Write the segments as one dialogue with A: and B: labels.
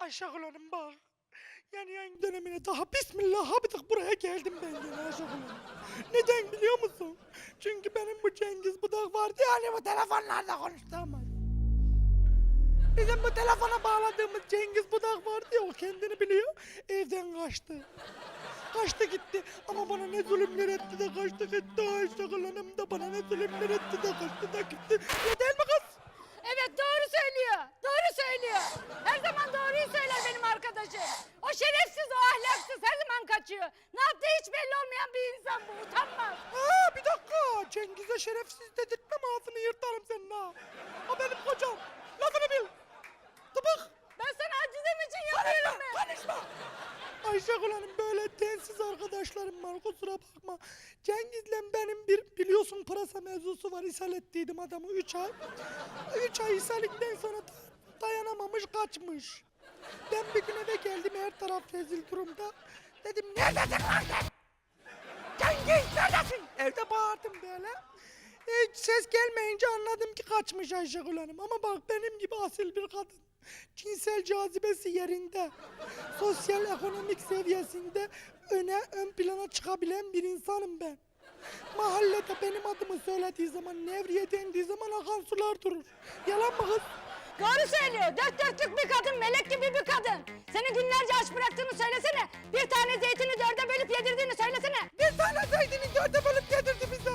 A: Ayşegül Hanım bak. Yani yayın dönemine daha bismillah habidik buraya geldim ben gene Ayşegül Hanım. Neden biliyor musun? Çünkü benim bu Cengiz Budak vardı yani bu telefonlarda konuştuğumuz. Bizim bu telefona bağladığımız Cengiz Budak vardı ya o kendini biliyor. Evden kaçtı. Kaçtı gitti ama bana ne zulümler etti de kaçtı gitti Ayşegül Hanım da bana ne zulümler etti de kaçtı da gitti. Ya değil mi kız?
B: Evet doğru söylüyor. Doğru söylüyor. Her zaman doğruyu söyler benim arkadaşım. O şerefsiz, o ahlaksız her zaman kaçıyor. Ne yaptığı hiç belli olmayan bir insan bu. Utanmaz.
A: Ha bir dakika. Cengiz'e şerefsiz dedirtmem ağzını yırtarım senin ha. O benim kocam. Lafını bil. Tıpık.
B: Ben sana acizem için yapıyorum ben.
A: Konuşma. Ayşegül Hanım böyle densiz arkadaşlarım var kusura bakma. Cengiz'le benim bir biliyorsun pırasa mevzusu var. İshal ettiydim adamı 3 ay. 3 ay ishalikten sonra dayanamamış kaçmış. Ben bir gün eve geldim her taraf rezil durumda. Dedim neredesin lan sen? Cengiz neredesin? Evde bağırdım böyle. Hiç ses gelmeyince anladım ki kaçmış Ayşegül Hanım. Ama bak benim gibi asil bir kadın. Cinsel cazibesi yerinde. Sosyal ekonomik seviyesinde ön plana çıkabilen bir insanım ben. Mahallede benim adımı söylediği zaman, Nevriye dendiği zaman akan sular durur. Yalan mı kız?
B: Doğru söylüyor. Dört dörtlük bir kadın, melek gibi bir kadın. Seni günlerce aç bıraktığını söylesene. Bir tane zeytini dörde bölüp yedirdiğini söylesene.
A: Bir tane zeytini dörde bölüp yedirdi bize.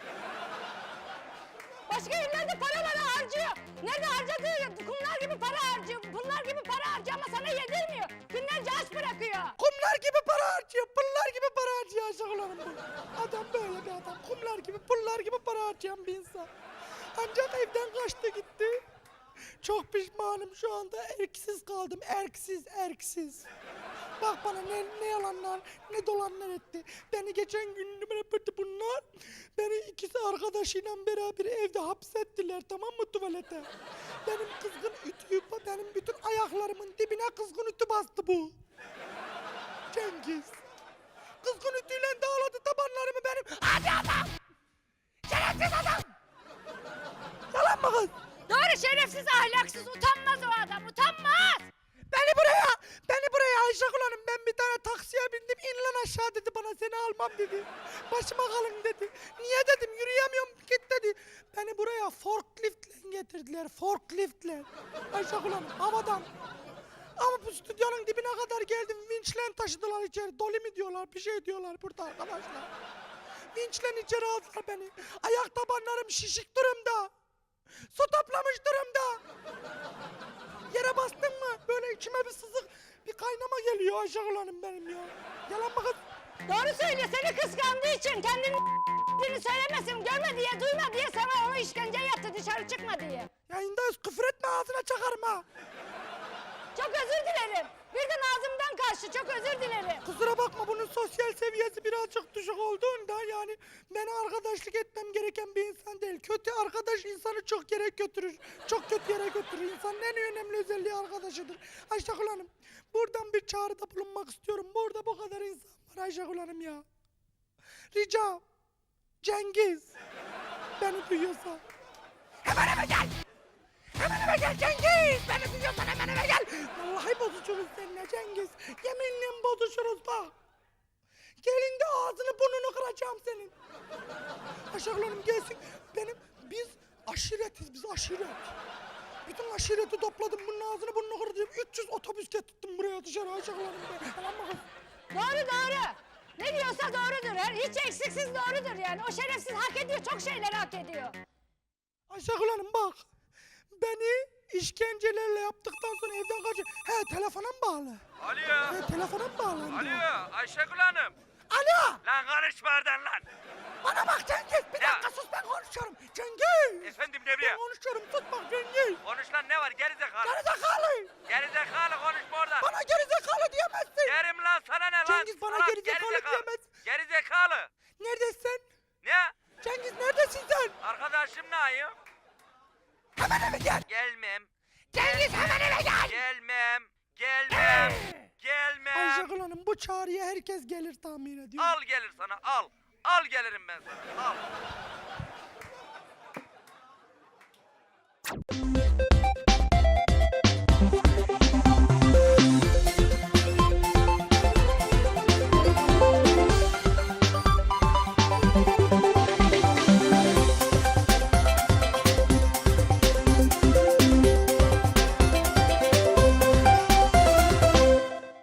B: Başka yerlerde paraları harcıyor. Nerede harcadığı kumlar gibi para harcıyor. Bunlar gibi para harcıyor ama sana yedirmiyor. Günlerce aç bırakıyor.
A: Kumlar gibi para harcıyor, pullar gibi para harcıyor Ayşegül Hanım bu. Adam böyle bir adam, kumlar gibi, pullar gibi para harcayan bir insan. Ancak evden kaçtı gitti. Çok pişmanım şu anda, erksiz kaldım, erksiz. Bak bana ne yalanlar, ne dolanlar etti. Beni geçen gün bunlar, beni ikisi arkadaşıyla beraber evde hapsettiler tamam mı tuvalete. Benim kızgın ütüyü, benim bütün ayaklarımın dibine kızgın ütü bastı bu. Cengiz. Kızgın ütüyle dağladı tabanlarımı benim. Hadi adam! Şerefsiz adam! Yalan mı kız?
B: Doğru şerefsiz, ahlaksız, utanmaz o adam, utanmaz.
A: Beni buraya Ayşegül Hanım ben bir tane taksiye bindim in lan aşağı dedi bana seni almam dedi. Başıma kalın dedi. Niye dedim yürüyemiyorum git dedi. Beni buraya forkliftle getirdiler forkliftle. Ayşegül Hanım havadan. Ama bu stüdyonun dibine kadar geldim vinçle taşıdılar içeri. Doli mi diyorlar bir şey diyorlar burada arkadaşlar. Vinçle içeri aldılar beni. Ayak tabanlarım şişik durumda. Su toplamış durumda. Yere bastın mı? Böyle içime bir sızık, bir kaynama geliyor Ayşegül Hanım benim ya. Yalan mı kız?
B: Doğru söylüyor, seni kıskandığı için kendini söylemesin, görme diye, duyma diye sana onu işkenceye yattı, dışarı çıkma diye.
A: Yayındayız küfür etme ağzına çakarım ha.
B: Çok özür dilerim. Birden ağzımdan kaçtı, çok özür dilerim.
A: Kusura bakma bunun sosyal seviyesi birazcık düşük olduğunda yani bana arkadaşlık etmem gereken bir insan değil. Kötü arkadaş insanı çok yere götürür. Çok kötü yere götürür. İnsanın en önemli özelliği arkadaşıdır. Ayşegül Hanım buradan bir çağrıda bulunmak istiyorum. Burada bu kadar insan var Ayşegül Hanım ya. Rica Cengiz beni duyuyorsa hemen eve gel. Hemen eve gel Cengiz! Beni duyuyorsan hemen eve gel! Vallahi bozuşuruz seninle Cengiz. Yeminle bozuşuruz bak. Gelin de ağzını burnunu kıracağım senin. Ayşegül Hanım gelsin. Biz aşiretiz biz aşiret. Bütün aşireti topladım bunun ağzını burnunu kıracağım. 300 otobüs getirttim buraya dışarı Ayşegül Hanım. Tamam mı kız?
B: Doğru. Ne diyorsa doğrudur. Hiç eksiksiz doğrudur yani. O şerefsiz hak ediyor, çok şeyler hak ediyor.
A: Ayşegül Hanım bak. Beni işkencelerle yaptıktan sonra evden kaçıyor. He telefona mı bağlı?
C: Alo.
A: He telefona mı bağlandı?
C: Alo Ayşegül Hanım.
A: Alo!
C: Lan konuşma oradan lan.
A: Bana bak Cengiz bir
C: Ya.
A: dakika sus ben konuşuyorum. Cengiz!
C: Efendim Nevriye.
A: Ben konuşuyorum sus bak Cengiz.
C: Konuş lan ne var gerizekalı.
A: Gerizekalı!
C: Gerizekalı konuşma oradan.
A: Bana gerizekalı diyemezsin.
C: Derim lan sana ne lan?
A: Cengiz bana
C: Salak,
A: gerizekalı diyemez.
C: Gerizekalı.
A: Neredesin?
C: Ne?
A: Cengiz neredesin sen?
C: Arkadaşım ne ayım?
A: Hemen eve gel.
C: Gelmem.
A: Cengiz hemen eve gel.
C: Gelmem. Gelmem.
A: Ayşegül Hanım bu çağrıya herkes gelir tahmin ediyorum.
C: Al gelir sana al. Al gelirim ben sana al.